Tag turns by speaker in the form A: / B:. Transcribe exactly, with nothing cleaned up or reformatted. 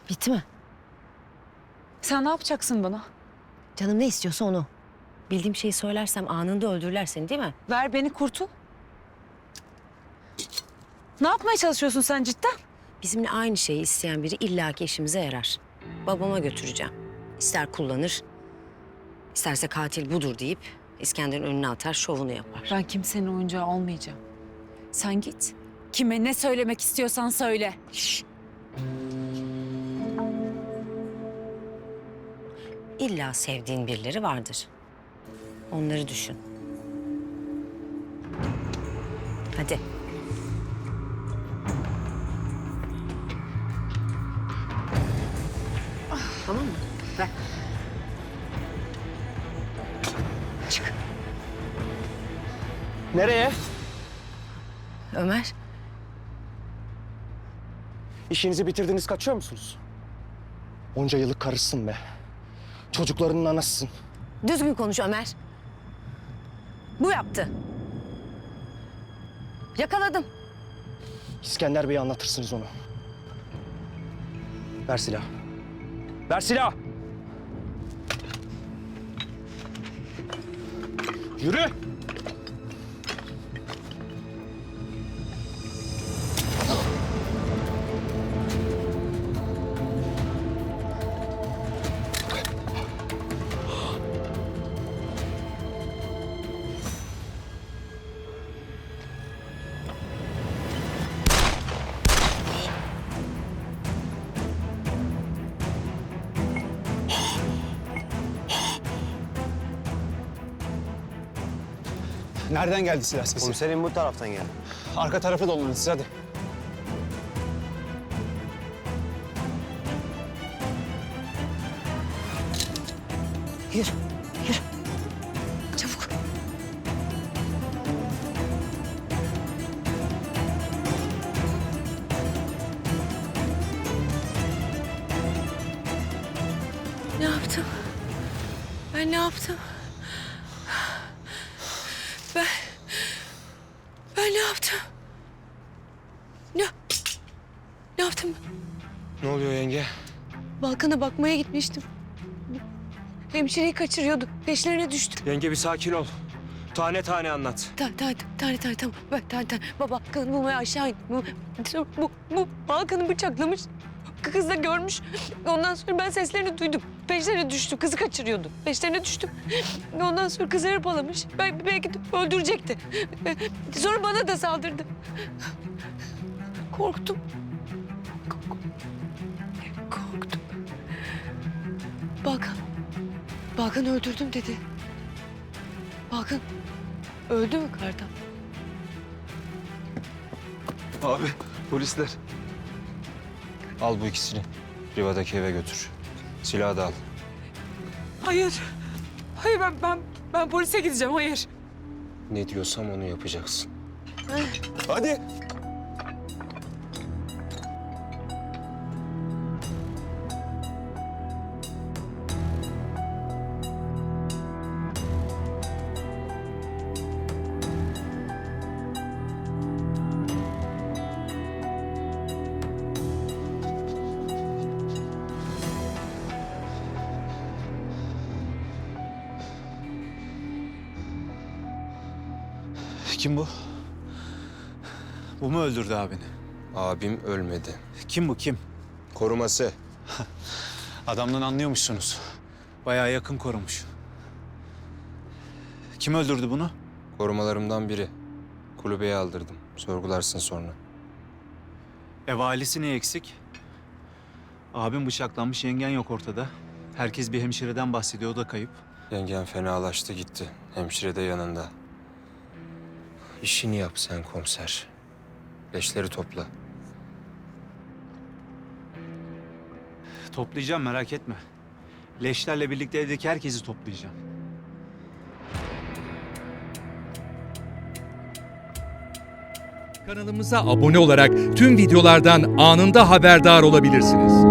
A: Bitti mi?
B: Sen ne yapacaksın bana?
A: Canım ne istiyorsa onu. Bildiğim şeyi söylersem anında öldürürler seni değil mi?
B: Ver beni kurtul. Ne yapmaya çalışıyorsun sen cidden?
A: Bizimle aynı şeyi isteyen biri illaki işimize yarar. Babama götüreceğim. İster kullanır, isterse katil budur deyip İskender'in önüne atar, şovunu yapar.
B: Ben kimsenin oyuncağı olmayacağım. Sen git. Kime ne söylemek istiyorsan söyle.
A: Şşş. İlla sevdiğin birileri vardır. Onları düşün. Hadi. Tamam mı? Ver. Çık.
C: Nereye?
A: Ömer,
C: İşinizi bitirdiniz, kaçıyor musunuz? Onca yıllık karısın be. Çocuklarının anasısın.
A: düzgün konuş Ömer. Bu yaptı. Yakaladım.
C: İskender Bey'e anlatırsınız onu. Ver silah. Ver silah! Yürü!
D: Nereden geldi silah sesi?
E: Komiserim bu taraftan geldi.
D: Arka tarafı dolanın siz hadi.
A: Yürü, yürü. Çabuk. Ne yaptım? Ben ne yaptım? Ben... Ben ne yaptım? Ne... Ne yaptım?
C: Ne oluyor yenge?
A: Balkan'a bakmaya gitmiştim. Hemşireyi kaçırıyordu. Peşlerine düştüm.
C: Yenge bir sakin ol. Tane tane anlat.
A: Ta, ta, tane tane tamam. Bak tane tane. Baba kadın bulmaya aşağı in. Bu, bu, bu Balkan'ı bıçaklamış. Kız da görmüş. Ondan sonra ben seslerini duydum. Peşlerine düştüm. Kızı kaçırıyordu. Peşlerine düştüm. Ondan sonra kızı hırpalamış. Ben, belki de öldürecekti. Sonra bana da saldırdı. Korktum. Korktum. Balkan. Balkan öldürdüm dedi. Balkan öldü mü Kartal?
E: Abi polisler. Al bu ikisini. Riva'daki eve götür. Silahı da al.
B: Hayır. Hayır ben ben ben polise gideceğim. Hayır.
E: Ne diyorsam onu yapacaksın.
C: Hadi!
D: Kim bu? Bu mu öldürdü abini?
E: Abim ölmedi.
D: Kim bu kim?
E: Koruması.
D: Adamdan anlıyormuşsunuz. Bayağı yakın korumuş. Kim öldürdü bunu?
E: Korumalarımdan biri. Kulübeye aldırdım. Sorgularsın sonra.
D: Ev ailesi ne eksik? Abim bıçaklanmış, yengen yok ortada. Herkes bir hemşireden bahsediyor, o da kayıp.
E: Yengen fenalaştı gitti. Hemşire de yanında. İşini yap sen komiser. Leşleri topla.
D: Toplayacağım, merak etme. Leşlerle birlikte evdeki herkesi toplayacağım.
F: Kanalımıza abone olarak tüm videolardan anında haberdar olabilirsiniz.